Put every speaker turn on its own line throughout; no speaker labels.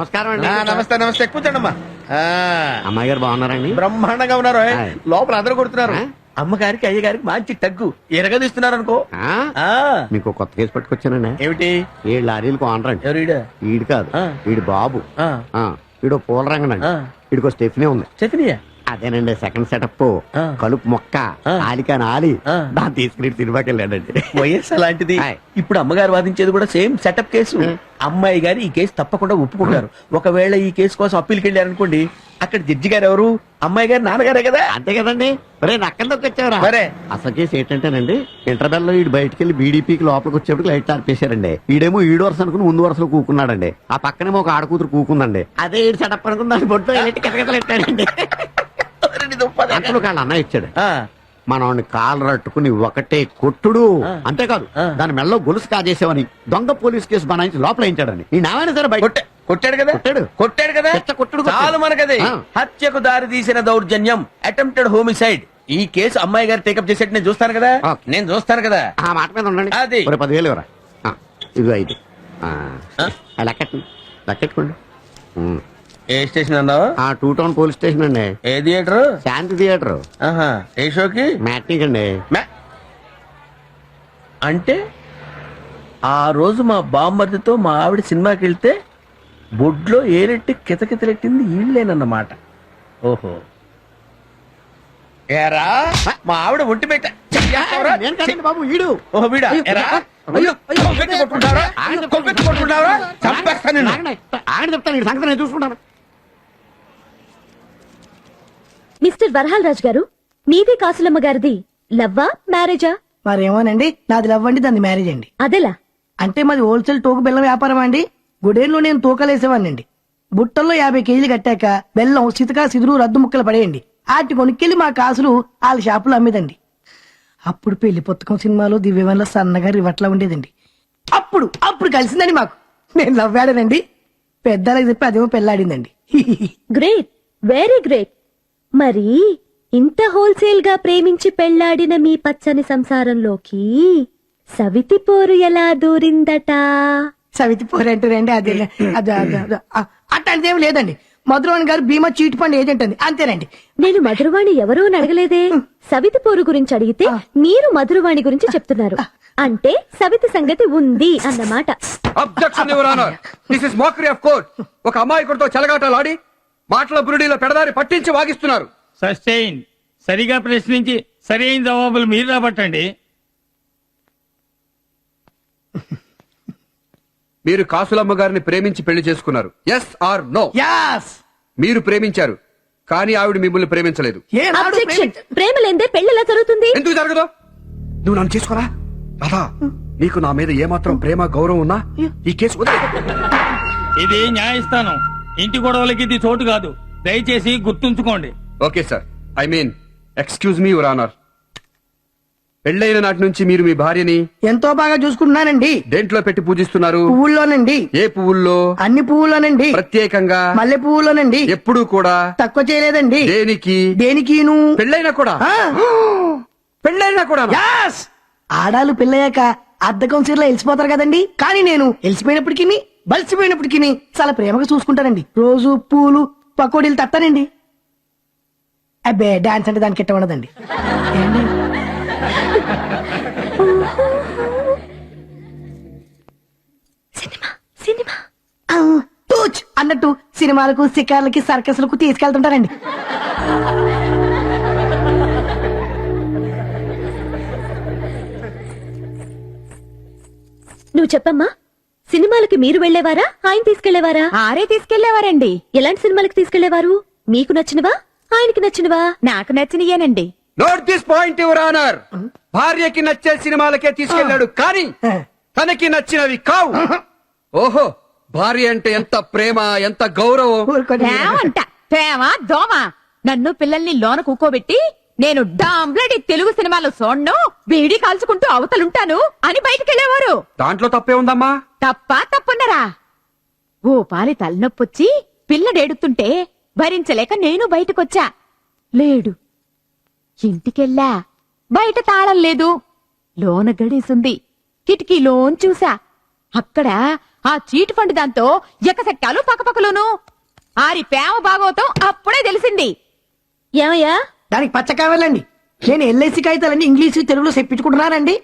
నమస్కారం అండి.
నమస్తే నమస్తే కూర్చోండమ్మా.
అమ్మాయి గారు బాగున్నారండి?
బ్రహ్మాండంగా ఉన్నారు.
ఆయ్.
లోపల అందరూ కొడుతున్నారు.
ఆ?
అమ్మగారికి అయ్యగారికి మంచి తగ్గు ఎరగదీస్తున్నారు అనుకో.
ఆ? మీకు కొత్త కేసు పట్టుకొచ్చానండి.
ఏమిటి?
7 లారీలకు ఓనర్ అండి.
ఎవరు ఈడ?
ఈడు కాదు,
ఆ.
ఈడు బాబు.
ఆ.
ఈడు పూల రంగనండి.
ఆ.
ఈడికో స్టెఫ్నీ ఉంది.
చెప్పినయా?
అదేనండి సెకండ్ సెటప్.
ఆ.
కలుపు మొక్క
ఆ.
ఆలికాని ఆలి
ఆ.
దాన్ని తీసుకుని సినిమాకి వెళ్ళాడండి.
వయస్సు అలాంటిది.
ఆయ్.
ఇప్పుడు అమ్మగారు వాదించేది కూడా సేమ్ సెటప్ కేసు. అమ్మాయి గారు ఈ కేసు తప్పకుండా ఒప్పుకుంటారు. ఒకవేళ ఈ కేసు కోసం అప్పీల్కి వెళ్ళారనుకోండి, అక్కడ జడ్జి గారు ఎవరు? అమ్మాయి గారు నాన్నగారే కదా.
అంతే కదండి. మరే నక్కల్లోకి వచ్చావరా?
మరే.
అసలు కేసు ఏంటంటేనండి, ఇంటర్వెల్ లో ఈడు బయటికి వెళ్ళి బీడీపీకి లోపలికి వచ్చేప్పుడు లైట్ ఆర్పేశారండి. ఈడేమో ఈడు వరుస అనుకుని ముందు వరుసలో కూకున్నాడండి. ఆ పక్కనేమో ఒక ఆడకూతురు కూకుందండి. అదే ఈడు సెటప్ అనుకుని దాని బొట్టు కితకితలెట్టాడండి. అంతలో కాళ్ళ అన్న ఇచ్చాడు. మనవాడిని కాలు రట్టుకుని ఒకటే కొట్టుడు. అంతేకాదు దాని మెళ్ళలో గొలుసు కాజేసావని దొంగ పోలీస్ కేసు బనాయించి లోపల వేయించాడని. ఈ నావైనా సరే బయట
కొట్టాడు కదా.
కొట్టాడు
కదా.
కొట్టుడు
చాలు మనకది. హత్యకు దారి తీసిన దౌర్జన్యం, అటెంప్టెడ్ హోమిసైడ్. ఈ కేసు అమ్మాయి గారు టేకప్ చేసేట్టు నేను చూస్తాను కదా.
ఓకే.
నేను చూస్తాను కదా.
ఆ మాట మీద ఉండండి.
అది.
10,000 ఇవ్వరా? ఇదిగో 5. లెక్కెట్టుకోండి.
ఏ స్టేషన్ అన్నావు?
2 టౌన్ పోలీస్ స్టేషన్ అండి.
ఏ థియేటర్?
శాంతి థియేటర్.
ఏ షోకి?
మ్యాట్నిక్ అండి.
అంటే ఆ రోజు మా బామ్మర్దితో మా ఆవిడ సినిమాకి వెళ్తే బొడ్లో ఏరెట్టి కితకితలెట్టింది ఈళ్ళేనన్నమాట. ఓహో, ఏరా మా ఆవిడ ఒంటి పెట్ట.
నేను కాదండి బాబు, ఈడు.
ఓహో వీడా? ఏరా కొవ్వెత్తి కొట్టుకుంటావరా? కొవ్వెత్తి కొట్టుకుంటావరా? చంపేస్తాను నిన్ను.
ఆయన చెప్తాను, ఈ సంగతి నేను చూసుకుంటాను.
మిస్టర్ వరహాల్ రాజ్ గారు, మీది కాసులమ్మ గారిది లవ్వా మ్యారేజా?
మరేమోనండి, నాది లవ్ అండి, దాన్ని మ్యారేజ్ అండి.
అదెలా?
అంటే మాది హోల్సేల్ తోక బెల్లం వ్యాపారం అండి. గుడేన్లో నేను తూకలేసేవాడినండి. బుట్టల్లో 50 కేజీలు కట్టాక బెల్లం సితకా సిదురు రద్దు ముక్కలు పడేయండి. ఆటి కొనుక్కెళ్ళి మా కాసులు వాళ్ళ షాపులో అమ్మేదండి. అప్పుడు పెళ్లి పుస్తకం సినిమాలో దివ్యవన్లో సన్నగా రివట్లా ఉండేదండి. అప్పుడు కలిసిందండి మాకు. నేను లవ్ ఆడానండి, పెద్దలకు చెప్పి అదేమో పెళ్ళాడిందండి.
Great, very great. మరి ఇంత హోల్సేల్ గా ప్రేమించి పెళ్లాడిన మీ పచ్చని సంసారంలోకి సవితి పోరు ఎలా దూరిందట?
సవితి పోరంటారండి, అదే అట్లాంటిదేం లేదండి. మధురవాణి గారు భీమా చీట్ ఫండ్ ఏజెంట్ అండి, అంతేనండి.
నేను మధురవాణి ఎవరూ అడగలేదే. సవితి పోరు గురించి అడిగితే మీరు మధురవాణి గురించి చెప్తున్నారు. అంటే సవితి సంగతి ఉంది అన్నమాట.
Objection your honour, this is mockery of court. ఒక అమాయకుడితో చెలగాటలాడి మాటల బురుడీలో పెడదారి పట్టించి వాగిస్తున్నారు.
సస్టైన్. సరిగా ప్రశ్నించి సరైన జవాబులు మీరు రాబట్టండి.
మీరు కాసులమ్మ గారిని ప్రేమించి పెళ్లి చేసుకున్నారు. Yes are no?
యాస్.
మీరు ప్రేమించారు, కానీ ఆవిడ మిమ్మల్ని ప్రేమించలేదు.
అబ్జెక్షన్. ప్రేమ లేదే పెళ్లి ఎలా జరుగుతుంది?
ఎందుకు జరగదు? నువ్వు నన్ను చేసుకోరా రాధా? నీకు నా మీద ఏమాత్రం ప్రేమ గౌరవం ఉన్నా ఈ కేసు వదిలేయ్.
ఇది న్యాయస్థానం, ఇంటి గొడవలకి ఇది చోటు కాదు. దయచేసి గుర్తుంచుకోండి.
Okay sir, I mean excuse me your honour. పెళ్ళైన నాటి నుంచి మీరు మీ భార్యని
ఎంతో బాగా చూసుకుంటున్నానండి.
దేంట్లో పెట్టి పూజిస్తున్నారు?
పువ్వుల్లోనండి.
ఏ పువ్వుల్లో?
అన్ని పువ్వుల్లోనండి.
ప్రత్యేకంగా
మల్లె పువ్వులోనండి.
ఎప్పుడూ కూడా
తక్కువ చేయలేదండి.
దేనికి?
దేనికిను.
పెళ్ళైనా కూడా? పెళ్ళైనా కూడా?
యాస్. ఆడాలు పెళ్ళయ్యాక అద్దకం చీరలో వెలిసిపోతారు కదండి, కానీ నేను వెలిసిపోయినప్పటికీ బలిసిపోయినప్పటికీ చాలా ప్రేమగా చూసుకుంటానండి. రోజు పూలు పకోడీలు తట్టానండి. అబ్బే, డాన్స్ అంటే దానికి ఎట్ట ఉండదండి.
సినిమా
టూచ్ అన్నట్టు సినిమాలకు షికార్లకి సర్కస్లకు తీసుకెళ్తుంటారండి.
నువ్వు చెప్పమ్మా, సినిమాలకి మీరు వెళ్లేవారా, ఆయన తీసుకెళ్లేవారా?
ఆరే తీసుకెళ్లేవారండి.
ఎలాంటి సినిమాలకు తీసుకెళ్లేవారు? మీకు నచ్చినవా, ఆయనకి నచ్చినవా?
నాకు నచ్చినయేనండి.
Note this point your honour. భార్యకి నచ్చే సినిమాలకే తీసుకెళ్లాడు, కానీ తనకి నచ్చినవి కావు. ఓహో, భార్య అంటే ఎంత ప్రేమ, ఎంత గౌరవం.
అంట ప్రేమ దోమ. నన్ను పిల్లల్ని లోన కూకోబెట్టి నేను డాంబ్లడి తెలుగు సినిమాలో చూడను, బీడీ కాల్చుకుంటూ అవతలుంటాను అని బయటకెళ్లేవారు.
దాంట్లో తప్పే ఉందమ్మా?
తప్పున్నరా? ఓ పాలి తలనొప్పొచ్చి పిల్లడేడుతుంటే భరించలేక నేను బయటకొచ్చా. లేడు. ఇంటికెళ్ళా, బయట తాళం లేదు. లోన గడేసుంది. కిటికీలోన్ చూసా, అక్కడ ఆ చీట్ ఫండ్ దాంతో ఎకసెట్టాలు పక్కపక్కలోను ఆరి ప్రేమ భాగవతం అప్పుడే తెలిసింది.
ఏమయ్యా
దానికి పచ్చ కావాలండి. నేను ఎల్ఐసి కాగితాలన్నీ ఇంగ్లీష్ తెలుగులో చెప్పించుకుంటున్నానండి.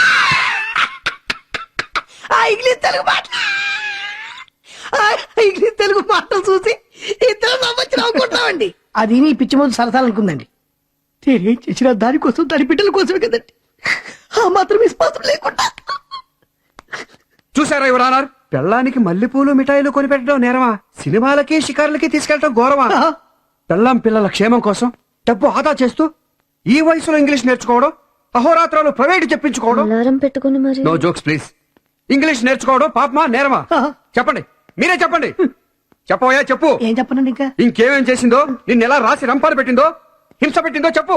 ఆ ఇంగ్లీష్ తెలుగు మాట ఆ ఇంగ్లీష్ తెలుగు మాటలు చూసి ఇద్దరు నవ్వచ్చు నవ్వుకుంటున్నామండి. అది నీ పిచ్చి ముందు సరసాలనుకుందండి. నేనేం చేసినా దానికోసం దాని బిడ్డల కోసమే కదండి. ఆ మాత్రం విశ్వాసం లేకుండా.
చూసారా యువరానర్, పెళ్ళానికి మల్లెపూలు మిఠాయిలు కొనిపెట్టడం నేరమా, సినిమాలకి షికారులకి తీసుకెళ్లడం గౌరవా? పెళ్ళాం పిల్లల క్షేమం కోసం డబ్బు ఆదా చేస్తూ ఈ వయసులో ఇంగ్లీష్ నేర్చుకోవడం, అహోరాత్రాలు ప్రైవేట్ చెప్పించుకోవడం.
అలారం పెట్టుకుని మరి
నో జోక్స్ ప్లీజ్. ఇంగ్లీష్ నేర్చుకోవడం పాపమా నేరమా? చెప్పండి, మీరే చెప్పండి. చెప్పవయ్యా చెప్పు.
ఏం చెప్పనండి ఇంకా.
ఇంకేమేం చేసిందో, నిన్ను ఎలా రాసి రంపాలు పెట్టిందో, హింస పెట్టిందో చెప్పు.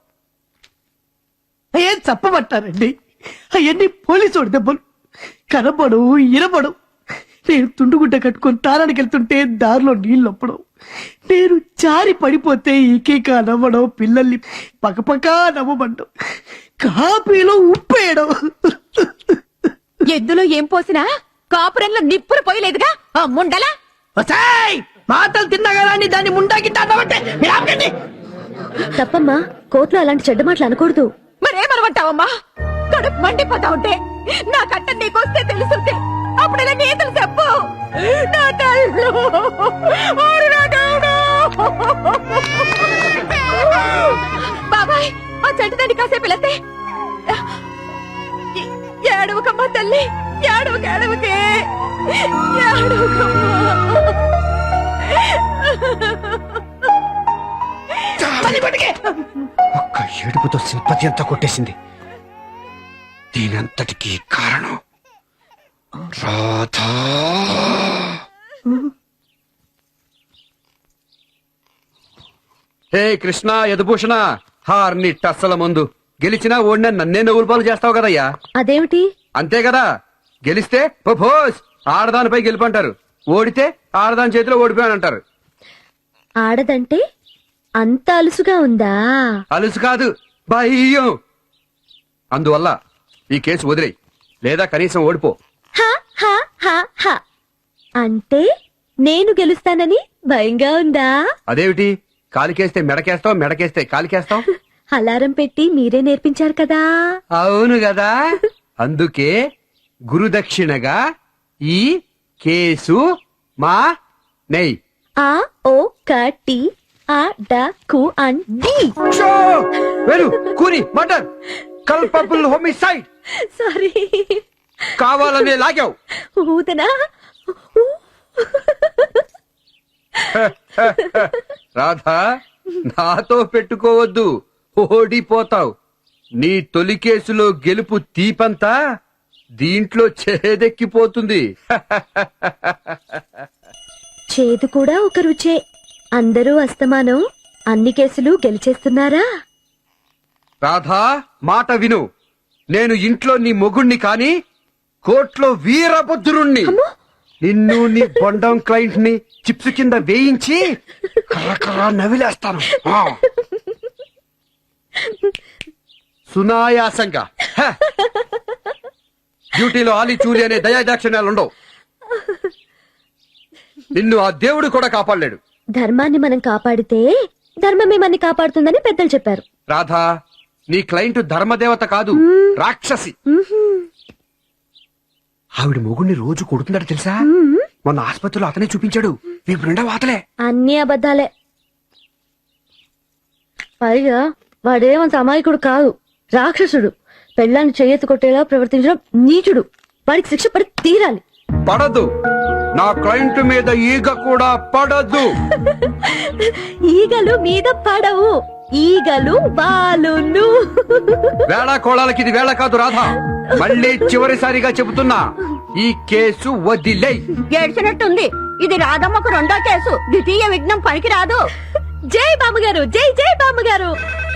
ఏం చెప్పబట్టారండి? అవన్నీ పోలీసు దెబ్బలు. కనబడు ఇనబడు. నేను తుండుగుడ్డ కట్టుకొని తారానికి వెళ్తుంటే దారిలో నీళ్ళు ఒప్పడం, నేను జారి పడిపోతే ఈకేక నవ్వడం, పిల్లల్ని పక్కపక్క నవ్వబడ్డం, కాపీలో ఉప్పేయడం.
ఎద్దులో ఏం పోసినా కాపురంలో నిప్పులు పోయలేదుగా ఆ ముండలా.
వసాయ్! మాటలు తిన్నా కదా అని దాన్ని ముండాకి అన్నమంటే మీరు ఆపకండి.
తప్పమ్మా, కోర్టులో అలాంటి చెడ్డ మాటలు అనకూడదు.
మరేమనమంటావమ్మా? కడుపు మండిపోతా ఉంటే నా కట్ట నీకొస్తే తెలుసుంటే అప్పుడెలా నీతులు చెప్పు. నా తల్లు, ఓరి నా దేవుడు. బాబాయ్, ఆ చెట్టు తండ్రి కాసేపు వెళతే ఏడవకమ్మా తల్లి, ఏడవక ఏడవకే, ఏడవకమ్మా.
ఒక్క ఏడుపుతో సింపతి అంతా కొట్టేసింది. దీనంతటికీ కారణం రాధా. హే కృష్ణ యదుభూషణ, హార్ని టస్సల ముందు గెలిచినా ఓడినా నన్నే నవ్వులు పాలు చేస్తావు కదయ్యా.
అదేమిటి?
అంతే కదా, గెలిస్తే ప్రపోజ్ ఆడదానిపై గెలుపంటారు, ఓడితే ఆడదాని చేతిలో ఓడిపోయానంటారు.
ఆడదంటే అంత అలుసుగా ఉందా?
అలుసు కాదు, భయం. అందువల్ల ఈ కేసు వదిలేయి, లేదా కనీసం ఓడిపో.
హా, హా, హా, హా. అంటే నేను గెలుస్తానని భయంగా ఉందా?
అదేమిటి, కాలికేస్తే మెడకేస్తావు, మెడకేస్తే కాలికేస్తావు?
అలారం పెట్టి మీరే నేర్పించారు కదా.
అవును కదా, అందుకే గురుదక్షిణగా ఈ కేసు మా నెయ్.
ఆ ఓ కటి ఆ డ కు అన్ డి.
వెరు కూని మర్డర్, కల్పబుల్ హోమిసైడ్.
సారీ,
కావాలనే లాగావు.
ఊదనా?
రాధా, నాతో పెట్టుకోవద్దు, ఓడిపోతావు. నీ తొలి కేసులో గెలుపు తీపంతా దీంట్లో చేదెక్కిపోతుంది.
చేదు కూడా ఒక రుచే. అందరూ అస్తమానం అన్ని కేసులు గెలిచేస్తున్నారా?
రాధా, మాట విను. నేను ఇంట్లో నీ మొగుణ్ణి కాని కోర్టులో వీరభద్రుణ్ణి. నిన్ను నీ బొండం క్లయింట్ ని చిప్స్ కింద వేయించి కర్రకర్ర నవిలేస్తాను. ఆ. సునాయాసంగా. హ. డ్యూటీలో ఆలి చూలి అనే దయాదాక్షిణ్యాలు ఉండవు. నిన్ను ఆ దేవుడు కూడా కాపాడలేడు.
ధర్మాన్ని మనం కాపాడితే ధర్మమే మనని కాపాడుతుందని పెద్దలు చెప్పారు.
రాధా, నీ క్లయింట్ ధర్మదేవత కాదు, రాక్షసి. ఆవిడ మొగుడిని రోజు కొడుతున్నాడు తెలుసా? మొన్న ఆసుపత్రిలో అతనే చూపించాడు. వీపు నిండా వాతలే.
అన్ని అబద్ధాలే. పైగా వాడేమంత అమాయకుడు కాదు, రాక్షసుడు. పెళ్ళాన్ని చెయ్యెత్తి కొట్టేలా ప్రవర్తించడం నీచుడు. వాడికి శిక్ష పడి తీరాలి.
పడదు, నా క్లయింట్ మీద ఈగ కూడా పడదు.
ఈగలు మీద పడవు, ఈగలు బాలును.
వేళ కోళాలకి ఇది వేళ కాదు రాధా. మళ్ళీ చివరిసారిగా చెబుతున్నా, ఈ కేసు వదిలేయ్.
ఏడ్చినట్టుంది. ఇది రాధమ్మకు రెండో కేసు. ద్వితీయ విఘ్నం పనికి రాదు.
జై బామ్మగారు, జై జై బామ్మగారు.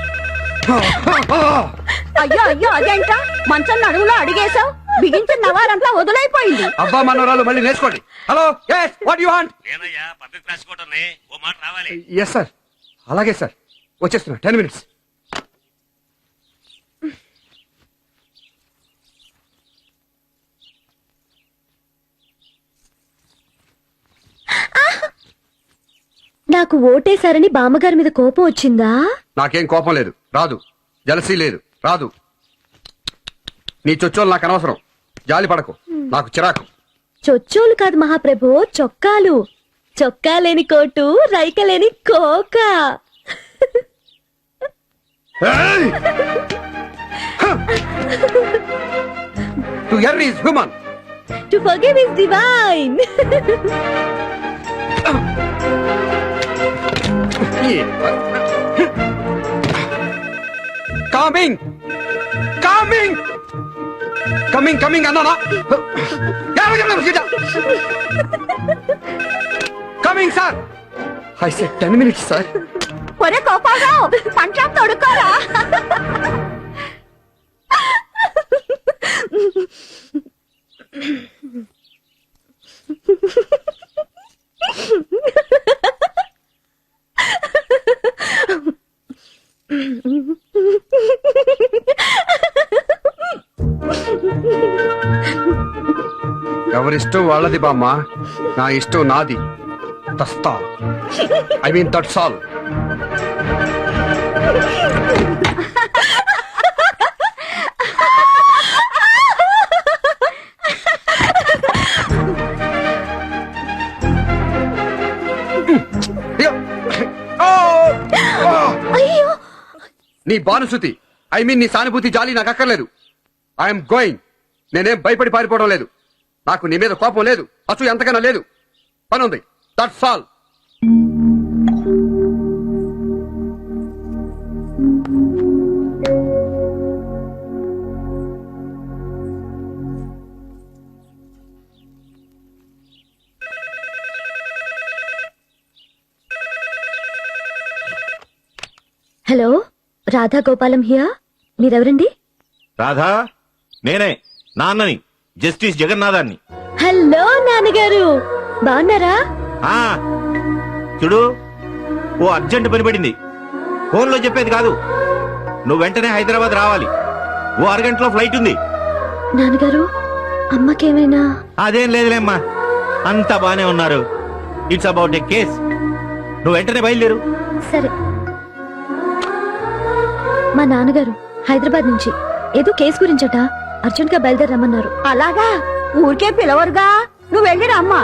అయ్యో అయ్యో, అదేంట మంచం నడుములో అడిగేశావు. బిగించిన నవారంతా వదులైపోయింది.
అబ్బా మనవరాలు మళ్ళీ నేర్చుకోండి. Hello, yes, what you want? Yes sir, అలాగే సార్, వచ్చేస్తున్నా. 10 minutes.
నాకు ఓటేశారని బామ్మగారి మీద కోపం వచ్చిందా?
నాకేం కోపం లేదు, రాదు. జలసీ లేదు, రాదు. నీ చొచ్చోలు నాకు అనవసరం. జాలి పడకు, నాకు చిరాకు.
చొచ్చోలు కాదు మహాప్రభు, చొక్కాలు. చొక్కా లేని కోటు, రైక లేని కోక.
To er is human.
To forgive is divine.
Coming coming coming coming అన్నానా? Coming sir. I said 10 minutes sir.
ఒరే కోపారావు, పంచాం తొడుక్కోరా.
ఎవరిష్టం వాళ్ళది బామ్మ, నా ఇష్టం నాది. తస్తా ఐ మీన్ దట్స్ ఆల్.
అయ్యో,
నీ బానుసుతి, ఐ మీన్ నీ సానుభూతి, జాలి నాకు అక్కర్లేదు. I'm going. నేనేం భయపడి పారిపోవడం లేదు. నాకు నీ మీద కోపం లేదు, అసలు ఎంతకన్నా లేదు. పని ఉంది, that's all.
Hello, Radha Gopalam here. మీరెవరండి?
Radha, నేనే నాన్నని, జస్టిస్ జగన్నాథాన్ని.
హలో నాన్నగారు, బాగున్నారా?
ఆ చూడు, ఓ అర్జెంట్ పని పడింది. ఫోన్లో చెప్పేది కాదు. నువ్వు వెంటనే హైదరాబాద్ రావాలి. ఓ అరగంటలో ఫ్లైట్ ఉంది.
నాన్నగారు, అమ్మకేమైనా?
అదేం లేదులేమ్మా, అంతా బానే ఉన్నారు. It's about a case. నువ్వు వెంటనే బయలుదేరు.
సరే. మా నాన్నగారు హైదరాబాద్ నుంచి ఏదో కేసు గురించట అర్జెంట్ గా బయలుదేరమ్మన్నారు.
అలాగా, ఊరికే పిలవరుగా. నువ్వు వెళ్ళిరా అమ్మా.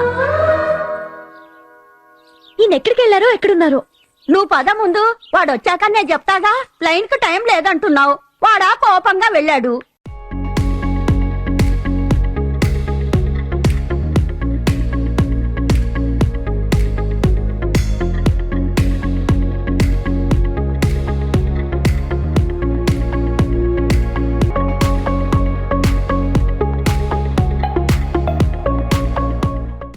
ఈయన ఎక్కడికి వెళ్ళారో, ఎక్కడున్నారో?
నువ్వు పద ముందు, వాడు వచ్చాక నేను చెప్తాగా. ప్లైన్ కు టైం లేదంటున్నావు. వాడా కోపంగా వెళ్ళాడు.